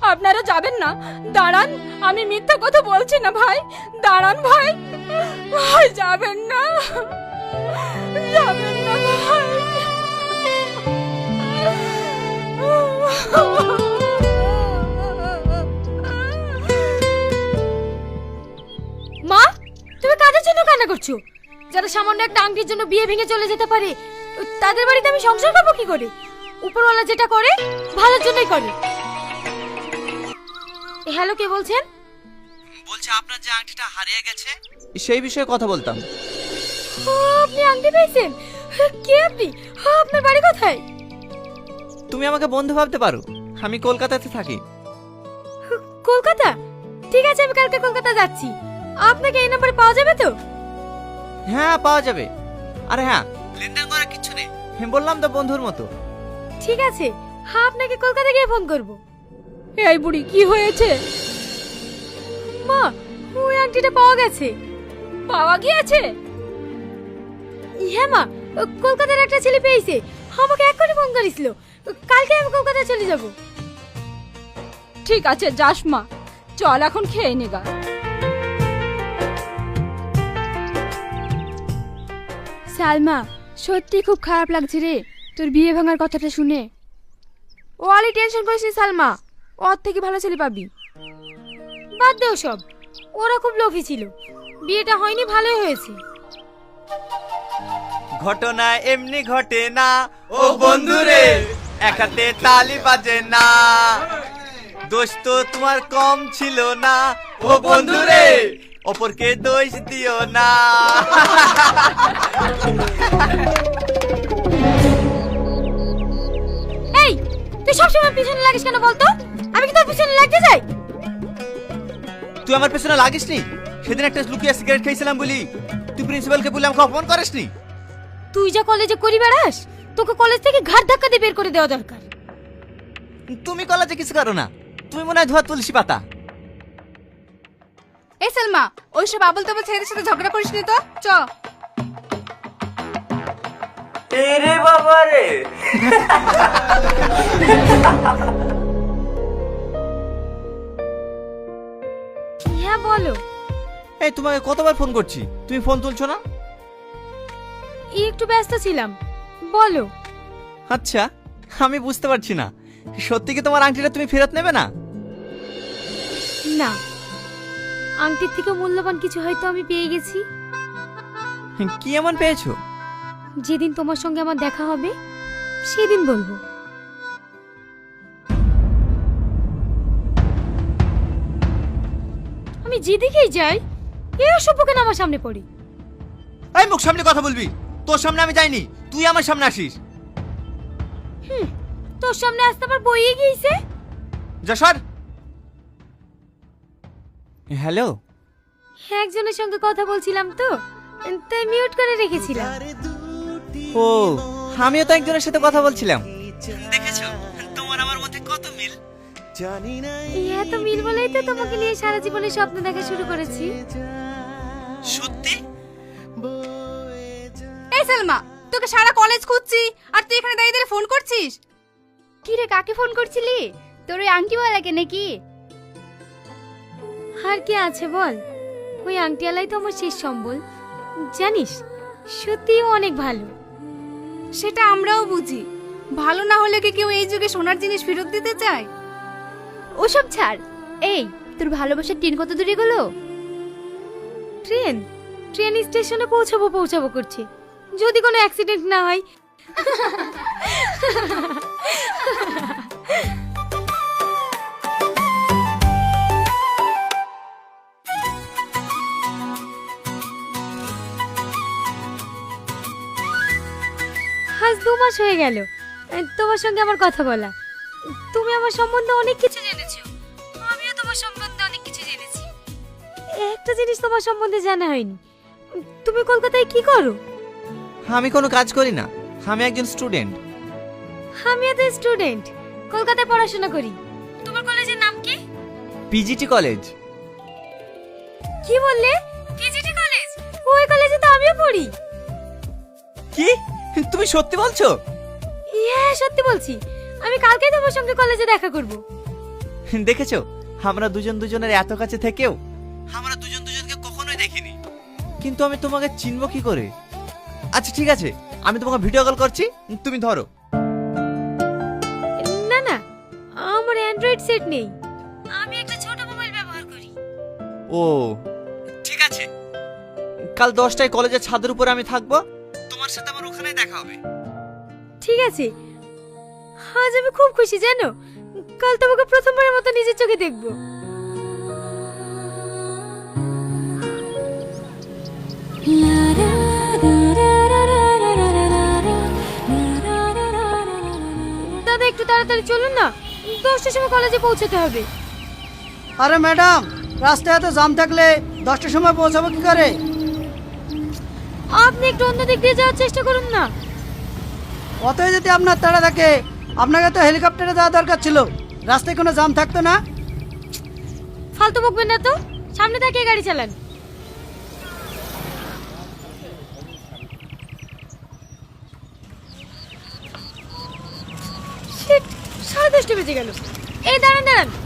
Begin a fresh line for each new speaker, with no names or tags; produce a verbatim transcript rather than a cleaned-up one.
আপনারা যাবেন না? দাঁড়ান, আমি মিথ্যা কথা বলছি না ভাই, দাঁড়ান ভাই, ভাই যাবেন না, যাবেন না ভাই।
মা, তুমি কাদের জন্য কান্না করছো? যারা সামান্য একটা আংটির জন্য বিয়ে ভেঙে চলে যেতে পারে, তাদের বাড়িতে আমি সংসার করবো কি করে? উপরওয়ালা যেটা করে ভালোর জন্যই করে। হ্যালো, কে বলছেন?
বলছে আপনার যে আংটিটা হারিয়ে গেছে সেই বিষয়ে কথা বলতাম।
ও, আপনি আংটি পেয়েছেন? কে আপনি? আপনার বাড়ি কোথায়?
তুমি আমাকে বন্ধু ভাবতে পারো, আমি কলকাতাতে থাকি।
কলকাতা? ঠিক আছে, আমি কালকে কলকাতা যাচ্ছি। আপনাকে এই নম্বরে পাওয়া যাবে তো?
হ্যাঁ, পাওয়া যাবে। আরে হ্যাঁ, লেনদেন করার কিছু নেই, আমি বললাম তো বন্ধুর মতো।
ঠিক আছে, হ্যাঁ, আপনাকে কলকাতা গিয়ে ফোন করব।
এই বুড়ি, কি হয়েছে?
মা, ওই আংটিটা পাওয়া গেছে।
পাওয়া গিয়েছে?
হ্যাঁ মা, কলকাতার একটা ছেলে পেয়েছে, আমাকে এক্ষুনি ফোন করেছিল। কালকে আমি কলকাতা চলে যাব।
ঠিক আছে, যাস মা, চল এখন খেয়ে নেগা।
সালমা, সত্যি খুব খারাপ লাগছে রে তোর বিয়ে ভাঙার কথাটা শুনে। ও আলি টেনশন করিস নি সালমা, ওর থেকে ভালো ছেলে পাবি।
বাদ দেও সব, ওরা খুব লোভী ছিল। বিয়েটা হয়নি, ভালোই হয়েছে।
ঘটনা এমনি ঘটে না ও বন্ধুরে, একাতে তালি বাজে না। দোষ তো তোমার কম ছিল না ও বন্ধুরে, অপরকে দোষ দিও না।
এই, তুই সবসময় পিছনে লাগিস কেন বলতো? আমি কি তোর পিছনে লাগতে যাই?
তুই আমার পেছনে লাগিস নি? সেদিন একটা লুকিয়ে সিগারেট খেয়েছিলাম বলি তুই প্রিন্সিপালকে বলে আমাকে অপমান করিস নি?
তুই যা কলেজে করি বেড়াস, তোকে কলেজ থেকে ঘাট ধাক্কা দিয়ে বের করে দেওয়া দরকার।
তুমি কলেজে কিছু করো না, তুমি মনে হয় ধোয়া তুলসী পাতা।
এই সালমা, ওইসব আবল তাবল ছেলেদের সাথে ঝগড়া করিস নি তো, চ।
এরে বাবা রে।
হ্যাঁ বলো।
এই তোমাকে কতবার ফোন করছি, তুমি ফোন তুলছো না?
এই একটু ব্যস্ত ছিলাম, বলো।
আচ্ছা, আমি বুঝতে পারছি না, সত্যি কি তোমার আংটিটা তুমি ফেরত নেবে না?
না, আংটির থেকে মূল্যবান কিছু হয়তো আমি পেয়ে গেছি।
কি এমন পেয়েছো?
যেদিন তোমার সঙ্গে আমার দেখা হবে সেদিন বলবো। আমি যেদিকেই যাই এই অসভ্য কেন আমার সামনে পড়ি?
এই মুখ সামনে কথা বলবি, তোর সামনে আমি যাইনি, তুই আমার সামনে আসিস।
হুম, তোর সামনে আসতে আবার বইয়ে গিয়েছে।
যা সর। হ্যালো,
একজনের সঙ্গে কথা বলছিলাম তো, তাই মিউট করে রেখেছিলাম।
ও, আমিও তো একজনের সাথে কথা বলছিলাম। দেখেছো তোমার আমার মধ্যে কত মিল।
হ্যাঁ, তো মিল বলেই তো তোমাকে নিয়ে সারা জীবনে স্বপ্ন দেখা শুরু করেছি।
সত্যি?
এই সালমা, তোকে সারা কলেজ খুঁজছি আর তুই এখানে দাঁড়িয়ে দাঁড়িয়ে ফোন করছিস। কি রে, কাকে ফোন করছিলি? তোর ওই আংটিওয়ালাকে নাকি?
আর কি আছে বল, ওই আংটিওয়ালাই তো আমার শেষ সম্বল। জানিস, সত্যিই ও অনেক ভালো।
সেটা আমরাও বুঝি, ভালো না হলে কি কেউ এই যুগে সোনার জিনিস ফেরত দিতে চায়? ওসব ছাড়। এই, তোর ভালোবাসার ট্রেন কত দূরে গেলো?
ট্রেন ট্রেন স্টেশনে পৌঁছাবো পৌঁছাবো করছে, যদি কোনো অ্যাক্সিডেন্ট না হয়। আজ দু মাস হয়ে গেল তোমার সঙ্গে আমার কথা বলা। তুমি আমার সম্বন্ধে অনেক কিছু জেনেছো, আমিও তোমার সম্বন্ধে অনেক কিছু জেনেছি। একটা জিনিস তোমার সম্বন্ধে জানা হয়নি, তুমি কলকাতায় কি করো?
আমি কোনো কাজ করি না, আমি একজন স্টুডেন্ট।
আমিও তো স্টুডেন্ট, কলকাতায় পড়াশোনা করি। তোমার কলেজের নাম কি?
PGT college.
কি বললে? PGT college? ওই কলেজে তো আমিও পড়ি।
কি তুমি সত্যি বলছো?
হ্যাঁ, সত্যি বলছি। আমি কালকেই তোমার সঙ্গে কলেজে দেখা করব।
দেখেছো আমরা দুজন দুজনের এত কাছে থেকেও আমরা দুজন দুজনকে কখনোই দেখিনি, কিন্তু আমি তোমাকে চিনবো কি করে? আচ্ছা ঠিক আছে, আমি তোমাকে ভিডিও কল করছি, তুমি ধরো।
না না, আমার অ্যান্ড্রয়েড সেট নেই, আমি একটা ছোট মোবাইল ব্যবহার করি।
ও ঠিক আছে, কাল দশটায় কলেজের ছাদের উপরে আমি থাকবো, তোমার সাথে আমার ওখানেই দেখা হবে।
ঠিক আছে, আজ আমি খুব খুশি জানো, কাল তোমাকে প্রথমবারের মতো নিজের চোখে দেখবো। দাদা একটু তাড়াতাড়ি চলুন না, দশটার সময় কলেজে পৌঁছাতে হবে।
আরে ম্যাডাম, রাস্তায় এত জাম থাকলে দশটার সময় পৌঁছাবো কি করে?
আপনি একটু অন্য দিক দিয়ে যাওয়ার চেষ্টা করুন না।
অতই যদি আপনার তাড়া থাকে, আপনাকে তো হেলিকপ্টারে যাওয়া দরকার ছিল, রাস্তায় কোনো জাম থাকতো না।
ফালতু বকবেন না তো, সামনে তাকিয়ে গাড়ি চালান। শিট, সাড়ে দশটা বেজে গেল। এই দাঁড়ান দাঁড়ান,